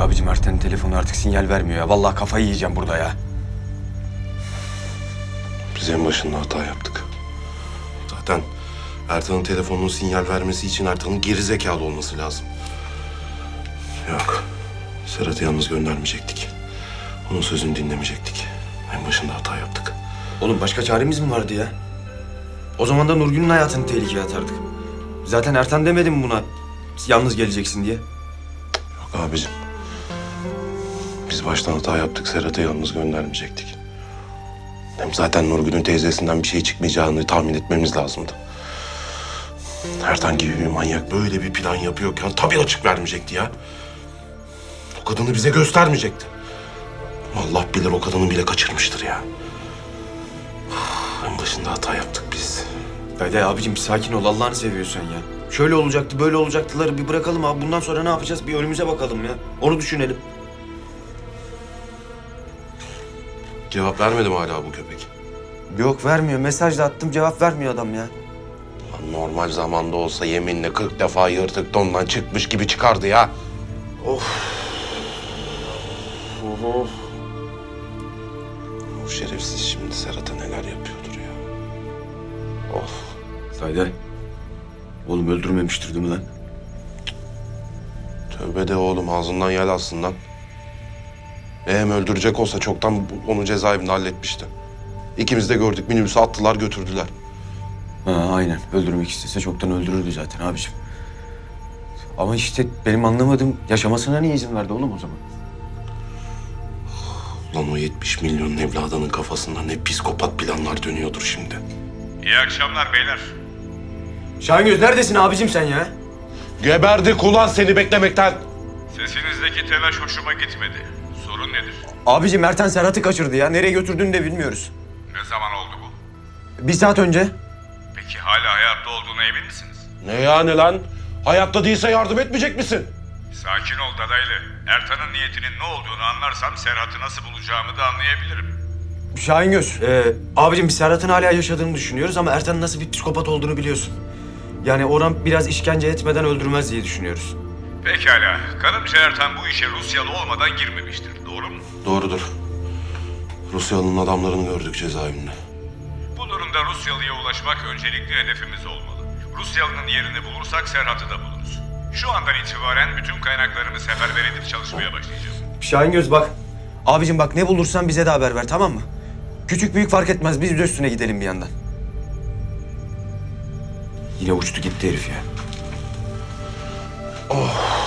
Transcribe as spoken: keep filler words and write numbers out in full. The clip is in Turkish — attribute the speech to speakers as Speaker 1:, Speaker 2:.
Speaker 1: Abicim Ertan'ın telefonu artık sinyal vermiyor ya. Vallahi kafayı yiyeceğim burada ya.
Speaker 2: Biz en başında hata yaptık. Zaten Ertan'ın telefonunun sinyal vermesi için Ertan'ın geri zekalı olması lazım. Yok. Serhat'ı yalnız göndermeyecektik. Onun sözünü dinlemeyecektik. En başında hata yaptık.
Speaker 1: Oğlum başka çaremiz mi vardı ya? O zaman da Nurgül'ün hayatını tehlikeye atardık. Zaten Ertan demedi mi buna yalnız geleceksin diye?
Speaker 2: Yok abicim. Biz baştan hata yaptık. Serhat'ı yalnız göndermeyecektik. Hem zaten Nurgül'ün teyzesinden bir şey çıkmayacağını tahmin etmemiz lazımdı. Ertan gibi bir manyak böyle bir plan yapıyorken tabii açık vermeyecekti ya. O kadını bize göstermeyecekti. Allah bilir o kadını bile kaçırmıştır ya. En başında hata yaptık biz.
Speaker 1: Dayı abicim bir sakin ol Allah'ını seviyorsan ya. Şöyle olacaktı böyle olacaktıları bir bırakalım abi. Bundan sonra ne yapacağız? Bir önümüze bakalım ya. Onu düşünelim.
Speaker 2: Cevap vermedi mi hala bu köpek?
Speaker 1: Yok vermiyor. Mesaj da attım cevap vermiyor adam ya.
Speaker 2: Lan normal zamanda olsa yeminle kırk defa yırtık dondan çıkmış gibi çıkardı ya.
Speaker 1: Of. Of.
Speaker 2: O şerefsiz şimdi Serhat'a neler yapıyordur ya.
Speaker 1: Of. Dayı. Oğlum öldürmemiştir değil mi lan?
Speaker 2: Tövbe de oğlum ağzından yel alsın lan. Eğer öldürecek olsa çoktan onu cezaevinde halletmişti. İkimiz de gördük minibüse attılar götürdüler.
Speaker 1: Ha aynen. Öldürmek istese çoktan öldürürdü zaten abiciğim. Ama işte benim anlamadığım yaşamasına niye izin verdi oğlum o zaman?
Speaker 2: Lan o yetmiş milyonun evladının kafasında ne psikopat planlar dönüyordur şimdi.
Speaker 3: İyi akşamlar beyler.
Speaker 1: Şahingöz neredesin abicim sen ya?
Speaker 2: Geberdik ulan seni beklemekten.
Speaker 3: Sesinizdeki telaş hoşuma gitmedi. Sorun nedir?
Speaker 1: Abicim Ertan Serhat'ı kaçırdı ya. Nereye götürdüğünü de bilmiyoruz.
Speaker 3: Ne zaman oldu bu?
Speaker 1: Bir saat önce.
Speaker 3: Peki hala hayatta olduğuna emin misiniz?
Speaker 2: Ne yani lan? Hayatta değilse yardım etmeyecek misin?
Speaker 3: Sakin ol dadaylı. Ertan'ın niyetinin ne olduğunu anlarsam Serhat'ı nasıl bulacağımı da anlayabilirim.
Speaker 1: Şahingöz. Ee, abicim biz Serhat'ın hala yaşadığını düşünüyoruz ama Ertan'ın nasıl bir psikopat olduğunu biliyorsun. Yani Orhan biraz işkence etmeden öldürmez diye düşünüyoruz.
Speaker 3: Pekala. Kanımca Ertan bu işe Rusyalı olmadan girmemiştir. Doğru mu?
Speaker 2: Doğrudur. Rusyalı'nın adamlarını gördük cezaevinde.
Speaker 3: Bu durumda Rusyalı'ya ulaşmak öncelikli hedefimiz olmalı. Rusyalı'nın yerini bulursak Serhat'ı da buluruz. Şu andan itibaren bütün kaynaklarımı seferber edip çalışmaya başlayacağım.
Speaker 1: Şahingöz bak. Abicim bak ne bulursan bize de haber ver tamam mı? Küçük büyük fark etmez. Biz de üstüne gidelim bir yandan. Yine uçtu gitti herif ya.
Speaker 2: Oh.